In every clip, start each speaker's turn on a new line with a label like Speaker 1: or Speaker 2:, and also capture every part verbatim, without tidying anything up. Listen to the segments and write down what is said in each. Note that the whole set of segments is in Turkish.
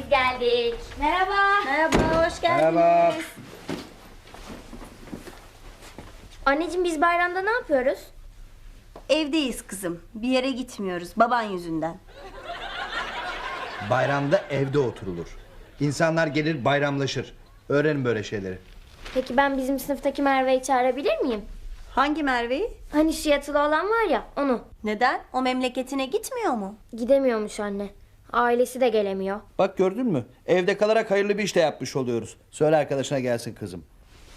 Speaker 1: biz geldik. Merhaba.
Speaker 2: Merhaba, hoş geldiniz.
Speaker 3: Merhaba.
Speaker 1: Anneciğim biz bayramda ne yapıyoruz?
Speaker 2: Evdeyiz kızım. Bir yere gitmiyoruz baban yüzünden.
Speaker 3: Bayramda evde oturulur. İnsanlar gelir bayramlaşır. Öğrenin böyle şeyleri.
Speaker 1: Peki ben bizim sınıftaki Merve'yi çağırabilir miyim?
Speaker 2: Hangi Merve'yi?
Speaker 1: Hani şu yatılı olan var ya, onu.
Speaker 2: Neden? O memleketine gitmiyor mu?
Speaker 1: Gidemiyormuş anne. Ailesi de gelemiyor.
Speaker 3: Bak gördün mü? Evde kalarak hayırlı bir iş de yapmış oluyoruz. Söyle arkadaşına gelsin kızım.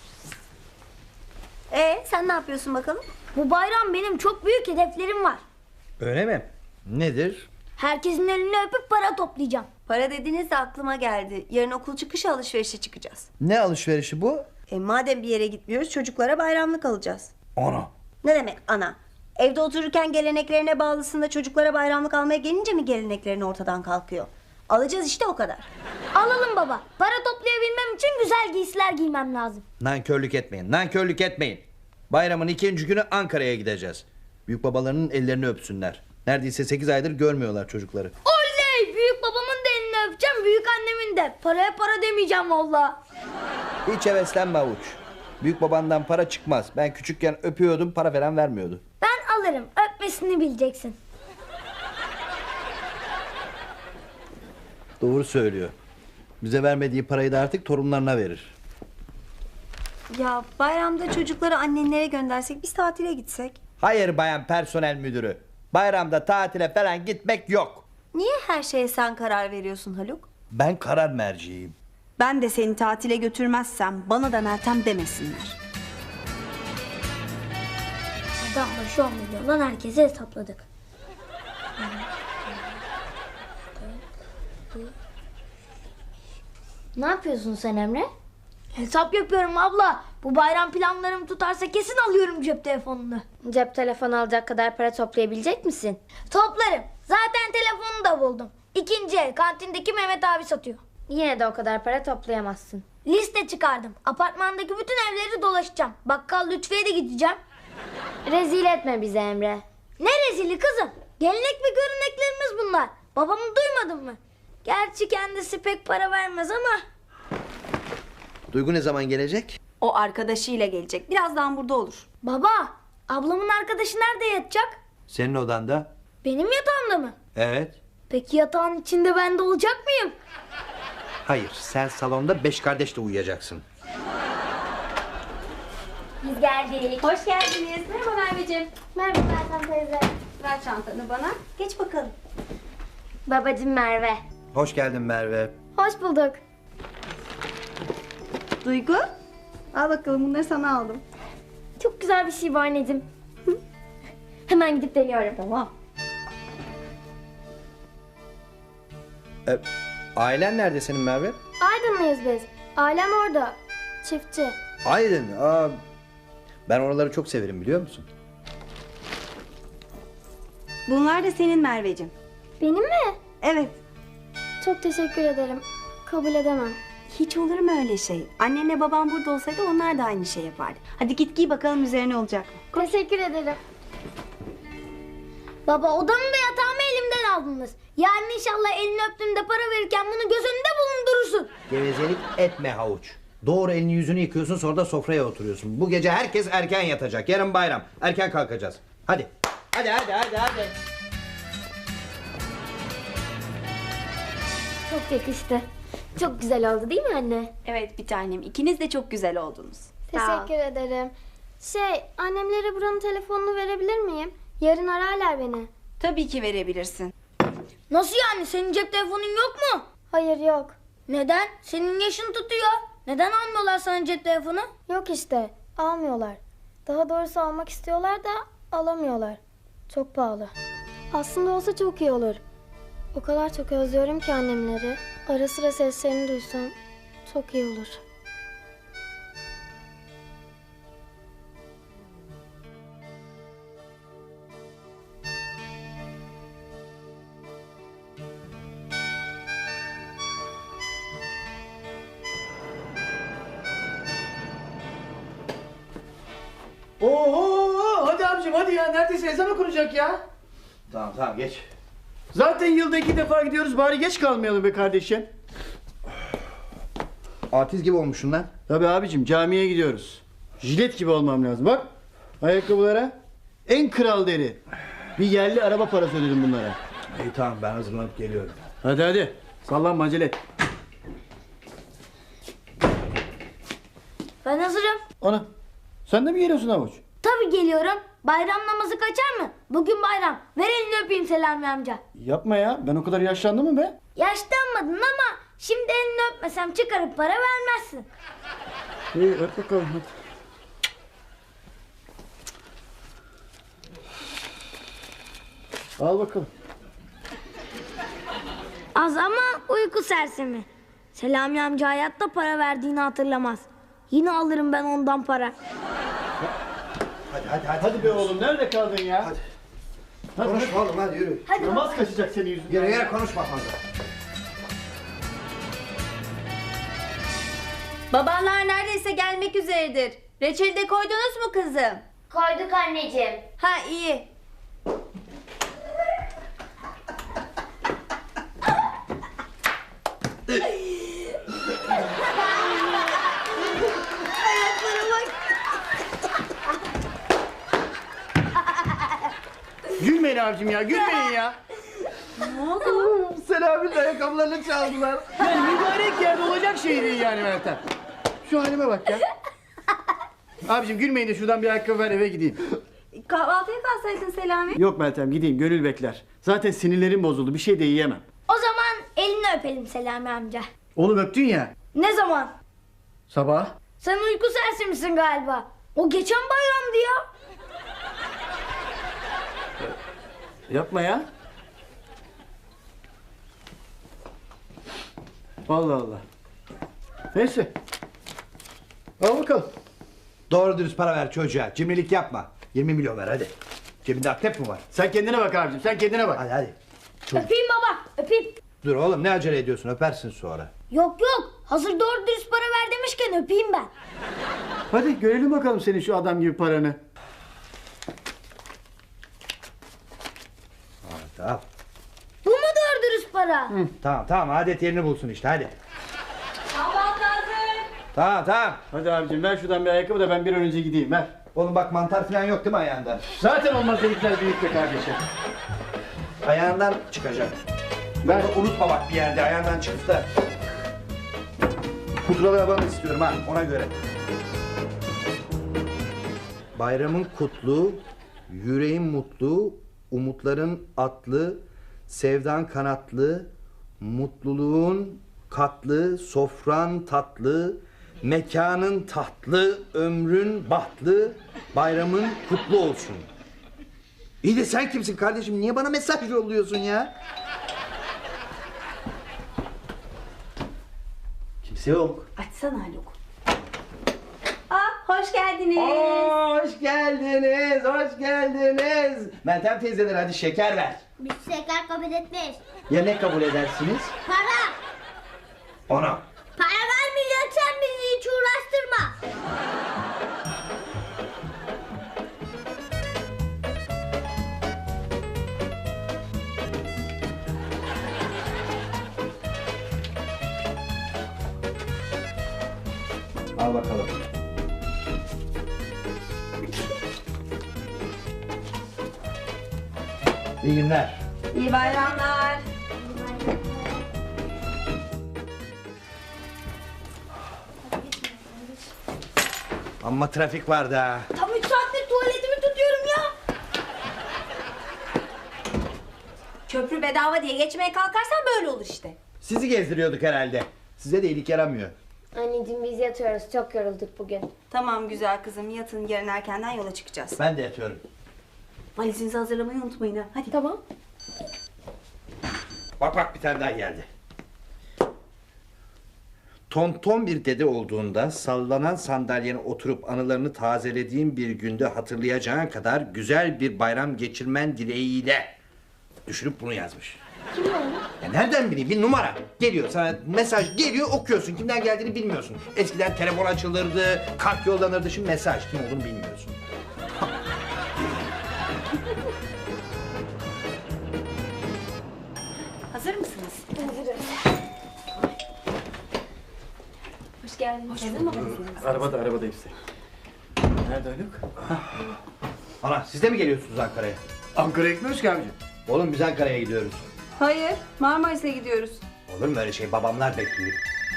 Speaker 2: Ee, sen ne yapıyorsun bakalım?
Speaker 1: Bu bayram benim çok büyük hedeflerim var.
Speaker 3: Öyle mi? Nedir?
Speaker 1: Herkesin elini öpüp para toplayacağım.
Speaker 2: Para dediniz de aklıma geldi. Yarın okul çıkışı alışverişe çıkacağız.
Speaker 3: Ne alışverişi bu?
Speaker 2: E madem bir yere gitmiyoruz çocuklara bayramlık alacağız.
Speaker 3: Ana.
Speaker 2: Ne demek ana? Evde otururken geleneklerine bağlısın da çocuklara bayramlık almaya gelince mi geleneklerin ortadan kalkıyor? Alacağız işte o kadar.
Speaker 1: Alalım baba. Para toplayabilmem için güzel giysiler giymem lazım.
Speaker 3: Nankörlük etmeyin. Nankörlük etmeyin. Bayramın ikinci günü Ankara'ya gideceğiz. Büyük babalarının ellerini öpsünler. Neredeyse sekiz aydır görmüyorlar çocukları.
Speaker 1: Oley! Büyük babamın da elini öpeceğim, büyük annemin de. Paraya para demeyeceğim valla.
Speaker 3: Hiç heveslenme avuç. Büyük babandan para çıkmaz. Ben küçükken öpüyordum, para falan vermiyordu.
Speaker 1: Ben alırım. Öpmesini bileceksin.
Speaker 3: Doğru söylüyor. Bize vermediği parayı da artık torunlarına verir.
Speaker 2: Ya bayramda çocukları annenlere göndersek biz tatile gitsek.
Speaker 3: Hayır bayan personel müdürü. Bayramda tatile falan gitmek yok.
Speaker 2: Niye her şeye sen karar veriyorsun Haluk?
Speaker 3: Ben karar merciyim.
Speaker 4: Ben de seni tatile götürmezsem bana da Meltem demesinler.
Speaker 1: Hadi ama şu on milyondan herkese hesapladık. Ne yapıyorsun sen Emre? Hesap yapıyorum abla. Bu bayram planlarım tutarsa kesin alıyorum cep telefonunu. Cep telefonu alacak kadar para toplayabilecek misin? Toplarım. Zaten telefonu da buldum. İkinci el kantindeki Mehmet abi satıyor. Yine de o kadar para toplayamazsın. Liste çıkardım. Apartmandaki bütün evleri dolaşacağım. Bakkal Lütfiye de gideceğim. Rezil etme bizi Emre. Ne rezili kızım? Gelenek ve göreneklerimiz bunlar. Babamı duymadın mı? Gerçi kendisi pek para vermez ama...
Speaker 3: Duygu ne zaman gelecek?
Speaker 4: O arkadaşıyla gelecek. Birazdan burada olur.
Speaker 1: Baba, ablamın arkadaşı nerede yatacak?
Speaker 3: Senin odanda.
Speaker 1: Benim yatağımda mı?
Speaker 3: Evet.
Speaker 1: Peki yatağın içinde ben de olacak mıyım?
Speaker 3: Hayır, sen salonda beş kardeşle uyuyacaksın.
Speaker 1: Biz geldik.
Speaker 4: Hoş geldiniz. Merhaba Merveciğim.
Speaker 1: Merhaba Meltem teyze.
Speaker 4: Ver çantanı bana.
Speaker 2: Geç bakalım.
Speaker 1: Babacım Merve.
Speaker 3: Hoş geldin Merve.
Speaker 1: Hoş bulduk.
Speaker 4: Duygu. Al bakalım bunları sana aldım.
Speaker 1: Çok güzel bir şey bu anneciğim. Hemen gidip deniyorum.
Speaker 4: Tamam.
Speaker 3: Ee, ailen nerede senin Merve?
Speaker 1: Aydınlıyız biz. Ailem orada. Çiftçi.
Speaker 3: Aydın. Aa, ben oraları çok severim biliyor musun?
Speaker 4: Bunlar da senin Merveciğim.
Speaker 1: Benim mi?
Speaker 4: Evet.
Speaker 1: Çok teşekkür ederim. Kabul edemem.
Speaker 4: Hiç olur mu öyle şey? Annenle baban burada olsaydı onlar da aynı şey yapardı. Hadi git giy bakalım üzerine olacak mı?
Speaker 1: Teşekkür ederim. Baba odamı da yatağımı elimden aldınız. Yarın inşallah elini öptüğümde para verirken bunu göz önünde bulundurursun.
Speaker 3: Gevezelik etme havuç. Doğru elini yüzünü yıkıyorsun sonra da sofraya oturuyorsun. Bu gece herkes erken yatacak. Yarın bayram. Erken kalkacağız. Hadi. Hadi hadi hadi hadi.
Speaker 1: Çok yakıştı. Çok güzel oldu değil mi anne?
Speaker 4: Evet bir tanem. İkiniz de çok güzel oldunuz.
Speaker 1: Teşekkür ederim. Şey, annemlere buranın telefonunu verebilir miyim? Yarın ararlar beni.
Speaker 4: Tabii ki verebilirsin.
Speaker 1: Nasıl yani? Senin cep telefonun yok mu? Hayır yok. Neden? Senin yaşın tutuyor. Neden almıyorlar sana cep telefonu? Yok işte. Almıyorlar. Daha doğrusu almak istiyorlar da alamıyorlar. Çok pahalı. Aslında olsa çok iyi olur. O kadar çok özlüyorum ki annemleri. Ara sıra seslerini duysam çok iyi olur.
Speaker 5: Oo, hadi abicim hadi ya, neredeyse ezan okunacak ya.
Speaker 3: Tamam tamam geç.
Speaker 5: Zaten yılda iki defa gidiyoruz, bari geç kalmayalım be kardeşim.
Speaker 3: Artist gibi olmuşsun lan.
Speaker 6: Tabii abicim camiye gidiyoruz. Jilet gibi olmam lazım. Bak ayakkabılara en kral deri. Bir yerli araba parası ödedim bunlara.
Speaker 3: İyi tamam ben hazırlanıp geliyorum.
Speaker 6: Hadi hadi sallanma acele et.
Speaker 1: Ben hazırım.
Speaker 6: Ana sen de mi geliyorsun Havuç?
Speaker 1: Tabii geliyorum. Bayram namazı kaçar mı? Bugün bayram. Ver elini öpeyim Selami amca.
Speaker 6: Yapma ya ben o kadar yaşlandım mı be?
Speaker 1: Yaşlanmadın ama şimdi elini öpmesem çıkarıp para vermezsin.
Speaker 6: İyi öp bakalım hadi. Al bakalım.
Speaker 1: Az ama uyku sersemi. Selami amca hayatta para verdiğini hatırlamaz. Yine alırım ben ondan para.
Speaker 3: Hadi hadi hadi.
Speaker 6: Hadi be oğlum nerede kaldın ya? Hadi. Hadi,
Speaker 3: Konuşma oğlum hadi yürü.
Speaker 1: Hadi
Speaker 6: Namaz kaçacak senin yüzünden.
Speaker 3: Yere yere konuşma fazla.
Speaker 4: Babanlar neredeyse gelmek üzeredir. Reçeli de koydunuz mu kızım?
Speaker 1: koyduk anneciğim.
Speaker 4: Ha iyi.
Speaker 6: Gülmeyin abicim ya gülmeyin ya.
Speaker 3: Selami'nin ayakkabılarını çaldılar.
Speaker 6: Yani mübarek yerde olacak şey değil yani Meltem. Şu halime bak ya. Abicim gülmeyin de şuradan bir ayakkabı ver eve gideyim.
Speaker 4: Kahvaltıya kalsaydın Selami.
Speaker 6: Yok Meltem gideyim gönül bekler. Zaten sinirlerim bozuldu bir şey de yiyemem.
Speaker 1: O zaman elini öpelim Selami amca.
Speaker 6: Oğlum öptün ya
Speaker 1: Ne zaman?
Speaker 6: sabah.
Speaker 1: Sen uyku sersemisin galiba. O geçen bayramdı ya.
Speaker 6: Yapma ya. Allah Allah. Neyse. Al bakalım.
Speaker 3: Doğru dürüst para ver çocuğa. Cimrilik yapma. yirmi milyon ver hadi. Cebinde akrep mi var?
Speaker 6: Sen kendine bak abicim sen kendine bak.
Speaker 3: Hadi hadi.
Speaker 1: Öpeyim baba öpeyim.
Speaker 3: Dur oğlum ne acele ediyorsun öpersin sonra.
Speaker 1: Yok yok hazır doğru dürüst para ver demişken öpeyim ben.
Speaker 6: Hadi görelim bakalım senin şu adam gibi paranı.
Speaker 3: Hadi al.
Speaker 1: Bu mu doğru dürüst para?
Speaker 3: Tamam tamam adet yerini bulsun işte hadi.
Speaker 4: Kahvaltı hazır.
Speaker 3: Tamam tamam.
Speaker 6: Hadi abicim ver şuradan bir ayakkabı da ben bir an önce gideyim ver.
Speaker 3: Oğlum bak mantar falan yok değil mi ayağında?
Speaker 6: Zaten olmaz delikler büyük be kardeşim.
Speaker 3: Ayağından çıkacak.
Speaker 6: Ver.
Speaker 3: Bunu unutma bak bir yerde ayağından çıkıp da. Pudralı yaban istiyorum ha ona göre. Bayramın kutlu, yüreğin mutlu, umutların atlı, sevdan kanatlı, mutluluğun katlı, sofran tatlı, mekanın tatlı, ömrün bahtlı, bayramın kutlu olsun. İyi de sen kimsin kardeşim? Niye bana mesaj yolluyorsun ya? Kimse yok.
Speaker 4: Açsana Haluk. Aa hoş geldiniz.
Speaker 3: Hoş geldiniz, hoş geldiniz. Meltem teyzeler hadi şeker ver.
Speaker 1: Biz şeker kabul etmeyiz.
Speaker 3: Ya ne kabul edersiniz?
Speaker 1: Para.
Speaker 3: Ona.
Speaker 1: Para vermeyeceksen bizi hiç uğraştırma.
Speaker 3: Al bakalım. İyi günler.
Speaker 4: İyi bayramlar.
Speaker 3: Amma trafik vardı ha.
Speaker 1: Tam üç saattir tuvaletimi tutuyorum ya.
Speaker 4: Köprü bedava diye geçmeye kalkarsan böyle olur işte.
Speaker 3: Sizi gezdiriyorduk herhalde. Size de iyilik yaramıyor.
Speaker 1: Anneciğim biz yatıyoruz çok yorulduk bugün.
Speaker 4: Tamam güzel kızım yatın yarın erkenden yola çıkacağız.
Speaker 3: Ben de yatıyorum.
Speaker 4: Valizinizi hazırlamayı unutmayın ha. Hadi.
Speaker 1: Tamam.
Speaker 3: Bak bak bir tane daha geldi. Tonton bir dede olduğunda sallanan sandalyene oturup anılarını tazelediğin bir günde hatırlayacağın kadar güzel bir bayram geçirmen dileğiyle düşünüp bunu yazmış.
Speaker 1: Kim o?
Speaker 3: Ya nereden bileyim bir numara geliyor sana mesaj geliyor okuyorsun kimden geldiğini bilmiyorsun. Eskiden telefon açılırdı kart yollanırdı şimdi mesaj kim olduğunu bilmiyorsun.
Speaker 4: Hazır mısınız?
Speaker 1: Hazırız.
Speaker 4: Hoş
Speaker 1: Hoş geldiniz.
Speaker 6: Arabada arabada hepsi. Nerede Haluk?
Speaker 3: Ana siz de mi geliyorsunuz Ankara'ya?
Speaker 6: Ankara'ya gitmiyoruz ki amca.
Speaker 3: Oğlum biz Ankara'ya gidiyoruz.
Speaker 4: Hayır, Marmaris'e gidiyoruz.
Speaker 3: Olur mu öyle şey? Babamlar bekliyor.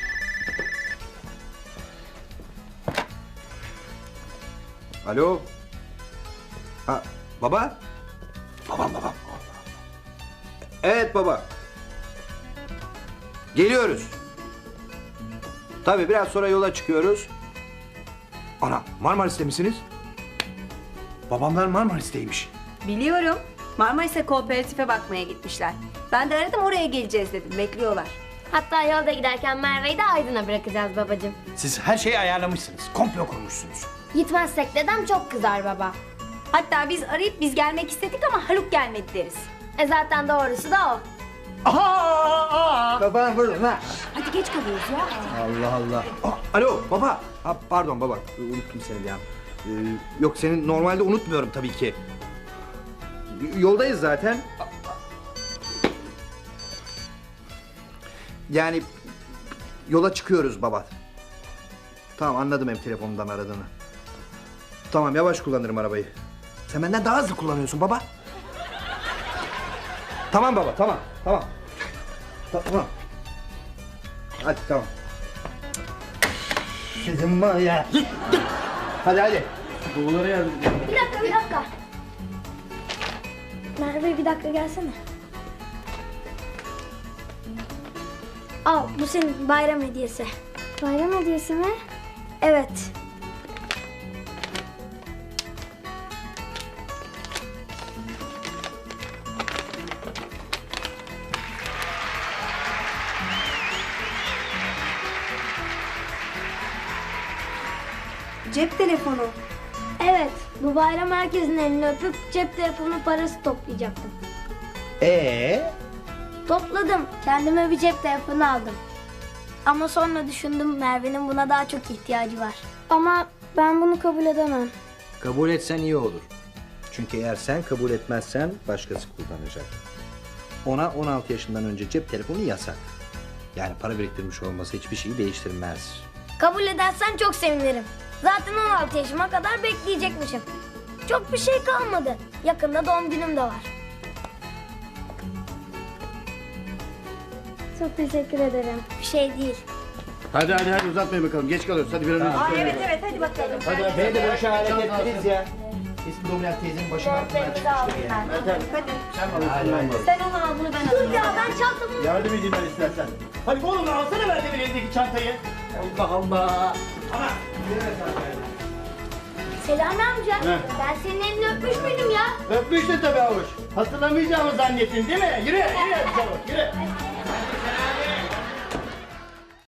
Speaker 3: Alo. Ha, baba? Babam babam. Evet baba. Geliyoruz. Tabii biraz sonra yola çıkıyoruz. Ana Marmaris'te misiniz? Babamlar Marmaris'teymiş.
Speaker 4: Biliyorum. Marmaris'e kooperatife bakmaya gitmişler. Ben de aradım oraya geleceğiz dedim. Bekliyorlar.
Speaker 1: Hatta yolda giderken Merve'yi de Aydın'a bırakacağız babacığım.
Speaker 3: Siz her şeyi ayarlamışsınız. Komplo kurmuşsunuz.
Speaker 1: Gitmezsek dedem çok kızar baba.
Speaker 4: Hatta biz arayıp biz gelmek istedik ama Haluk gelmedi deriz.
Speaker 1: E zaten doğrusu da o.
Speaker 3: Baban burada ha.
Speaker 4: Hadi geç kalıyoruz ya.
Speaker 3: Allah Allah. Aa, alo baba. Ha, pardon baba. Unuttum seni ya. Ee, yok seni normalde unutmuyorum tabii ki. Y- Yoldayız zaten. Yani yola çıkıyoruz baba. Tamam anladım hem telefonumdan aradığını. Tamam yavaş kullanırım arabayı. Sen benden daha hızlı kullanıyorsun baba. Tamam baba tamam tamam. Ta- Tamam. Hadi tamam. Sizin var ya. Hadi hadi.
Speaker 6: Babalara yardım edin.
Speaker 1: Bir dakika bir dakika. Merve bir dakika gelsene. Al bu senin bayram hediyesi. Bayram hediyesi mi? Evet.
Speaker 4: Cep telefonu.
Speaker 1: Evet bu bayram herkesin elini öpüp cep telefonu parası toplayacaktım.
Speaker 3: Ee?
Speaker 1: Topladım. Kendime bir cep telefonu aldım. Ama sonra düşündüm Merve'nin buna daha çok ihtiyacı var. Ama ben bunu kabul edemem.
Speaker 3: Kabul etsen iyi olur. Çünkü eğer sen kabul etmezsen başkası kullanacak. Ona on altı yaşından önce cep telefonu yasak. Yani para biriktirmiş olması hiçbir şeyi değiştirmez.
Speaker 1: Kabul edersen çok sevinirim. Zaten on altı yaşıma kadar bekleyecekmişim. Çok bir şey kalmadı. Yakında doğum günüm de var. Çok teşekkür ederim. Bir şey değil.
Speaker 6: Hadi hadi hadi uzatmayın bakalım. Geç kalıyoruz. Hadi bir an önce.
Speaker 4: Aa, evet evet hadi bakalım.
Speaker 6: Hadi hadi.
Speaker 3: Beni de bu işe hareket ettiniz ya. Eski dominant teyzenin başına altından çıkmıştır ya.
Speaker 6: Hadi.
Speaker 4: Hadi.
Speaker 6: Sen bana hadi, hadi.
Speaker 4: Sen onu al bunu ben alayım.
Speaker 1: Dur ya ben çantamı...
Speaker 6: Yardım edeyim ben istersen. Hadi oğlum alsana ver de bir elindeki çantayı. Allah Allah. Ana.
Speaker 1: Selami amca.
Speaker 6: Heh.
Speaker 1: Ben senin elini öpmüş müydüm ya?
Speaker 6: Öpmüştün tabii avuç. Hatırlamayacağımı zannettin değil mi? Yürü yürü çabuk yürü.